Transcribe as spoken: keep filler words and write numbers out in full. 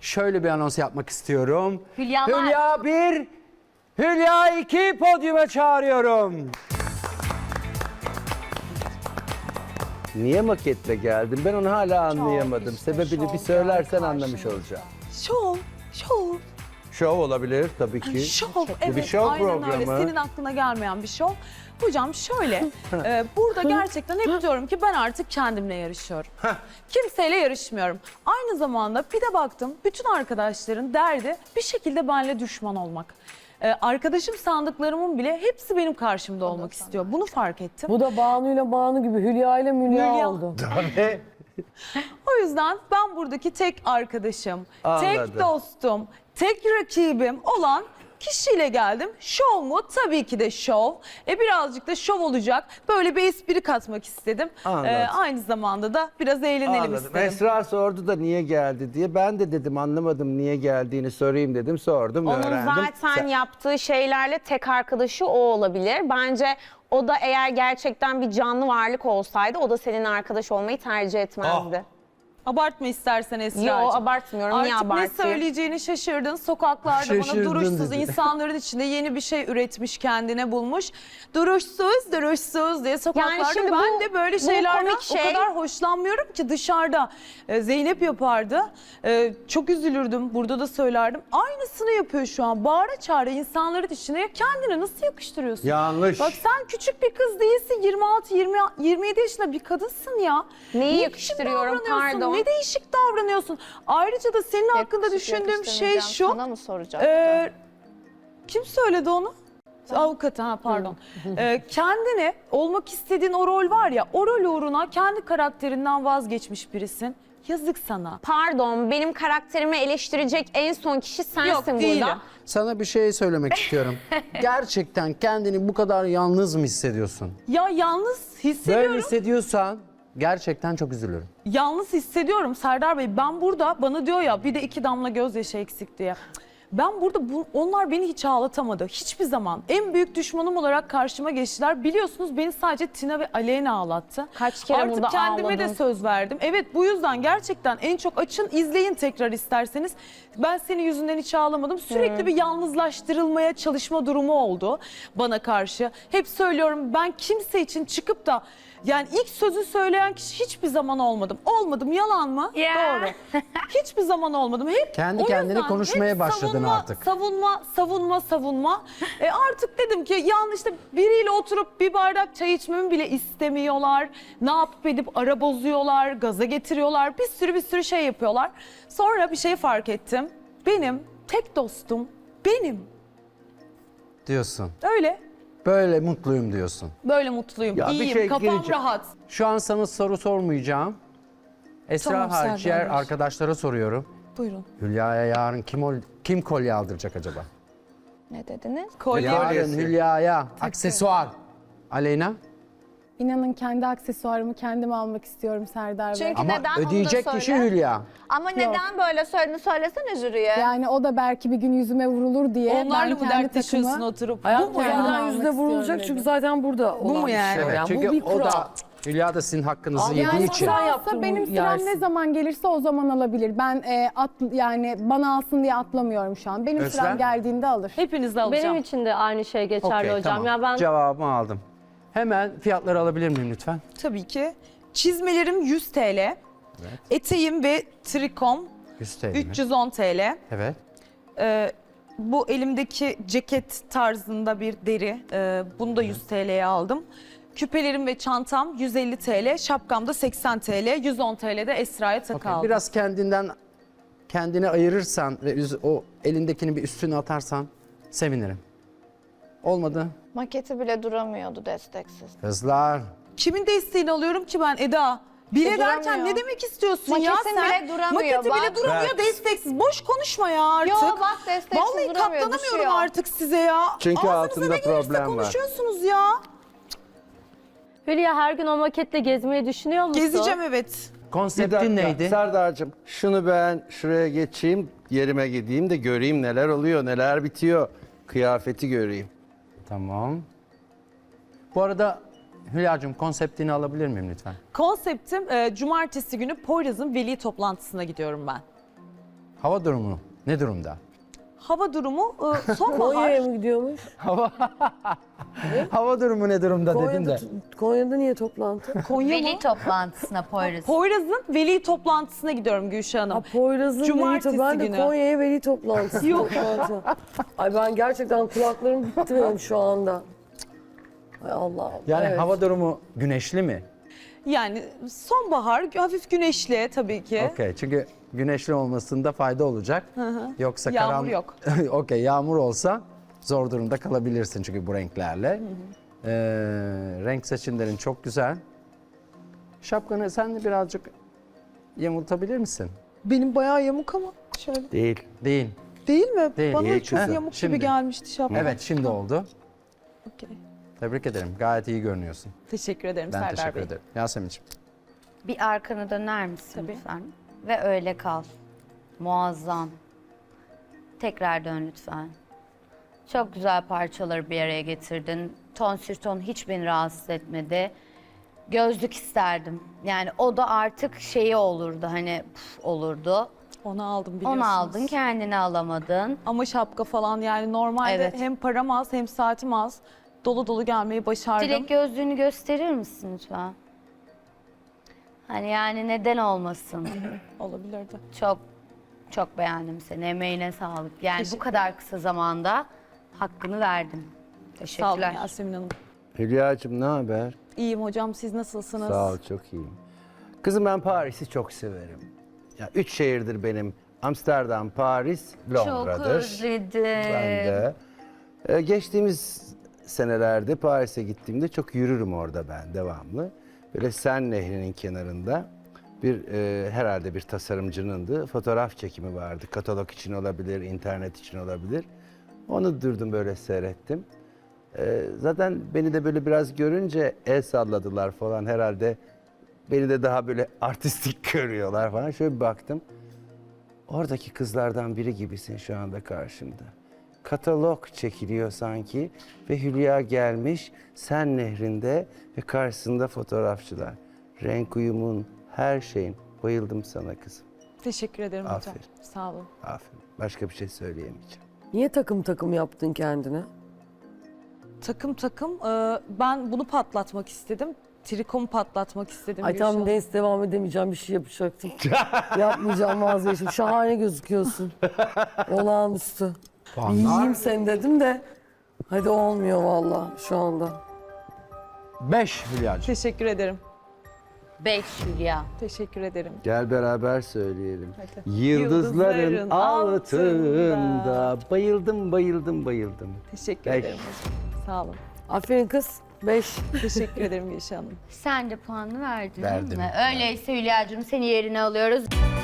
şöyle bir anons yapmak istiyorum. Hülyalar. Hülya bir, Hülya iki podyuma çağırıyorum. Niye maketle geldin? Ben onu hala anlayamadım. işte, Sebebini şov bir söylersen geldi anlamış karşımıza. olacağım. Şov, şov. Şov olabilir tabii ki. Şov, Bu evet, bir şov aynen programı. öyle. Senin aklına gelmeyen bir şov. Hocam şöyle, e, burada gerçekten hep diyorum ki ben artık kendimle yarışıyorum. Kimseyle yarışmıyorum. Aynı zamanda bir de baktım, bütün arkadaşların derdi bir şekilde benimle düşman olmak. E, arkadaşım sandıklarımın bile hepsi benim karşımda olmak istiyor. Bunu fark ettim. Bu da Banu ile Banu gibi Hülya ile Mülya Hülya. oldu. Tabii. O yüzden ben buradaki tek arkadaşım, tek Anladım. dostum, tek rakibim olan kişiyle geldim. Şov mu? Tabii ki de şov. E birazcık da şov olacak. Böyle bir espri katmak istedim. Anladım. E, aynı zamanda da biraz eğlenelim Anladım. istedim. Esra sordu da niye geldi diye. Ben de dedim anlamadım niye geldiğini sorayım dedim. Sordum, Onun öğrendim. zaten Sen- yaptığı şeylerle tek arkadaşı o olabilir. Bence o da eğer gerçekten bir canlı varlık olsaydı o da senin arkadaş olmayı tercih etmezdi. Abartma istersen Esra'cığım. Yo, abartmıyorum. Niye Artık ne abartayım? söyleyeceğini şaşırdın. Sokaklarda Şaşırdın bana duruşsuz dedi. insanların içinde yeni bir şey üretmiş, kendine bulmuş. Duruşsuz, duruşsuz diye sokaklarda şimdi ben bu- de böyle bu şeylerden komik o şey- kadar hoşlanmıyorum ki dışarıda. Ee, Zeynep yapardı. Ee, çok üzülürdüm. Burada da söylerdim. Aynısını yapıyor şu an. Bağıra çağıra insanların içine kendine nasıl yakıştırıyorsun? Yanlış. Bak sen küçük bir kız değilsin. yirmi altı yirmi yedi yaşında bir kadınsın ya. Neyi Niye yakıştırıyorum, küçük davranıyorsun? pardon? Ne değişik davranıyorsun. Ayrıca da senin hakkında düşündüğüm şey şu. Sana mı soracaktım? e, kim söyledi onu? Avukat, ha pardon. E, kendine olmak istediğin o rol var ya, o rol uğruna kendi karakterinden vazgeçmiş birisin. Yazık sana. Pardon, benim karakterimi eleştirecek en son kişi sensin Yok, burada. değilim. Sana bir şey söylemek istiyorum. Gerçekten kendini bu kadar yalnız mı hissediyorsun? Ya yalnız Böyle hissediyorum. hissediyorsan gerçekten çok üzülürüm. Yalnız hissediyorum Serdar Bey. Ben burada bana diyor ya bir de iki damla gözyaşı eksik diye. Ben burada bu, onlar beni hiç ağlatamadı. Hiçbir zaman. En büyük düşmanım olarak karşıma geçtiler. Biliyorsunuz beni sadece Tina ve Aleyna ağlattı. Kaç kere Artık burada kendime de ağladın. söz verdim. Evet, bu yüzden gerçekten en çok açın, izleyin tekrar isterseniz. Ben senin yüzünden hiç ağlamadım. Sürekli bir yalnızlaştırılmaya çalışma durumu oldu bana karşı. Hep söylüyorum, ben kimse için çıkıp da yani ilk sözü söyleyen kişi hiçbir zaman olmadım. Olmadım, yalan mı? Ya. Doğru. Hiçbir zaman olmadım. Hep Kendi o kendine yüzden konuşmaya hep başladın savunma, artık. Savunma, savunma, savunma. E artık dedim ki yani işte biriyle oturup bir bardak çay içmemi bile istemiyorlar. Ne yapıp edip ara bozuyorlar, gaza getiriyorlar. Bir sürü bir sürü şey yapıyorlar. Sonra bir şey fark ettim. Benim tek dostum benim. Diyorsun. Öyle. Böyle mutluyum diyorsun. Böyle mutluyum. Ya bir İyiyim. şey Kafam gireceğim. rahat. Şu an sana soru sormayacağım. Esra Tamam, hariç Serdar diğer Bey. arkadaşlara soruyorum. Buyurun. Hülya'ya yarın kim ol- kim kolye aldıracak acaba? Ne dediniz? Kolye. Yarın Hülya'ya aksesuar. Aleyna? İnanın kendi aksesuarımı kendim almak istiyorum Serdar Bey. Çünkü Ama neden onu da ödeyecek söyle. kişi Hülya. Ama neden böyle söylediğini söylesene jüriye. Yani o da belki bir gün yüzüme vurulur diye Onlarla ben mı kendi dertleşiyorsun takımı... oturup? Hayat Bu mu yüzünden yani? almak yüzde vurulacak istiyorum çünkü dedim. zaten burada Bu mu yani? Evet, çünkü bu bir o kural. da Hülya da sizin hakkınızı Abi yediği yani için. sen Varsa yaptın, benim bu sıram yersin. ne zaman gelirse o zaman alabilir. Ben e, at, yani bana alsın diye atlamıyorum şu an. Benim Özlem? sıram geldiğinde alır. Hepinizi alacağım. Benim için de aynı şey geçerli Okey, hocam. tamam. Ya ben Cevabımı aldım. Hemen fiyatları alabilir miyim lütfen? Tabii ki. Çizmelerim yüz T L. Eteğim ve trikom yüz T L mi? üç yüz on T L. Evet. Ee, bu elimdeki ceket tarzında bir deri. Ee, bunu da yüz T L'ye aldım. Küpelerim ve çantam yüz elli T L. Şapkam da seksen T L. yüz on T L'de Esra'ya takı Okey, aldım. biraz kendinden kendini ayırırsan ve üz- o elindekini bir üstüne atarsan sevinirim. Olmadı. Maketi bile duramıyordu desteksiz. Kızlar. Kimin desteğini alıyorum ki ben Eda? Bile E, derken duramıyor. ne demek istiyorsun ya Maketin sen? bile duramıyor, Maketi bile bak. duramıyor, Evet. desteksiz. Boş konuşma ya artık. Yo bak desteksiz Vallahi duramıyor, katlanamıyorum düşüyor. artık size ya. Çünkü Ağzınıza altında ne gelirse problem var. konuşuyorsunuz ya. Hülya her gün o maketle gezmeyi düşünüyor musun? Gezeceğim evet. Konseptin neydi? Serdar'cığım şunu ben şuraya geçeyim, yerime gideyim de göreyim neler oluyor, neler bitiyor. Kıyafeti göreyim. Tamam. Bu arada Hülya'cığım konseptini alabilir miyim lütfen? Konseptim e, cumartesi günü Poyraz'ın veli toplantısına gidiyorum ben. Hava durumu ne durumda? Hava durumu e, sonbahar. Konya'ya mı gidiyormuş? Hava durumu ne durumda dedim Konya'da, de. Konya'da niye toplantı? Konya mı? Veli toplantısına Poyraz. Poyraz'ın veli toplantısına gidiyorum Gülşah Hanım. Ha, Poyraz'ın veli Cumartesi toplantısı. Ben de günü. Konya'ya veli toplantısı. Yok. toplantı. Ay ben gerçekten kulaklarım gitti benim şu anda. Ay Allah'ım. Yani evet. hava durumu güneşli mi? Yani sonbahar, hafif güneşli tabii ki. Okey, çünkü güneşli olmasında fayda olacak. Yoksa Yağmur karan... yok. Okey, yağmur olsa zor durumda kalabilirsin çünkü bu renklerle. Ee, renk seçimlerin çok güzel. Şapkanı sen de birazcık yamultabilir misin? Benim bayağı yamuk ama şöyle. Değil. Değil. Değil mi? Değil. Bana Değil çok kızım. yamuk Şimdi. gibi gelmişti şapka. Evet, şimdi oldu. Okey. Tebrik ederim. Gayet iyi görünüyorsun. Teşekkür ederim Ben Serdar teşekkür Bey. ederim. Yasemin'ciğim. Bir arkana döner misin Tabii. lütfen? Ve öyle kal. Muazzam. Tekrar dön lütfen. Çok güzel parçaları bir araya getirdin. Ton sür ton hiç beni rahatsız etmedi. Gözlük isterdim. Yani o da artık şeyi olurdu hani püf olurdu. Onu aldım biliyorsunuz. Onu aldın kendini alamadın. Ama şapka falan yani normalde Evet. hem param az hem saatim az. Dolu dolu gelmeyi başardım. Dilek gözlüğünü gösterir misin lütfen? Hani yani neden olmasın? Olabilirdi. Çok çok beğendim seni. Emeğine sağlık. Yani bu Teşekkür kadar kısa zamanda hakkını verdin. Sağ olun Teşekkürler. Yasemin Hanım. Hülya'cığım ne haber? İyiyim hocam, siz nasılsınız? Sağ ol, çok iyiyim. Kızım ben Paris'i çok severim. Ya üç şehirdir benim. Amsterdam, Paris, Çok Londra'dır. özledim. Ben de. Ee, geçtiğimiz senelerde Paris'e gittiğimde çok yürürüm orada ben devamlı. Böyle Sen Nehri'nin kenarında bir e, herhalde bir tasarımcınındı. Fotoğraf çekimi vardı. Katalog için olabilir, internet için olabilir. Onu durdum böyle seyrettim. Ee, zaten beni de böyle biraz görünce el salladılar falan herhalde. Beni de daha böyle artistik görüyorlar falan. Şöyle bir baktım. Oradaki kızlardan biri gibisin şu anda karşımda. Katalog çekiliyor sanki ve Hülya gelmiş Sen Nehri'nde ve karşısında fotoğrafçılar. Renk uyumun, her şeyin. Bayıldım sana kızım. Teşekkür ederim hocam. Aferin. Sağ olun. Aferin. Başka bir şey söyleyemeyeceğim. Niye takım takım yaptın kendine? Takım takım e, ben bunu patlatmak istedim. Trikomu patlatmak istedim. Ay Gülşah tam Hanım. neyse devam edemeyeceğim bir şey yapacaktım. Yapmayacağım vazgeçtim. Şahane gözüküyorsun. Olağanüstü. Bir yiyeyim seni dedim de. Hadi olmuyor vallahi şu anda. Beş Hülya'cığım. Teşekkür ederim. Beş Hülya. Teşekkür ederim. Gel beraber söyleyelim. Hadi. Yıldızların, Yıldızların altında. altında. Bayıldım, bayıldım, bayıldım. Teşekkür Beş. ederim hocam. Sağ olun. Aferin kız. Beş. Teşekkür ederim Gülşah Hanım. Sen de puanını verdin Verdim. değil mi? Öyleyse Hülya'cığım seni yerine alıyoruz.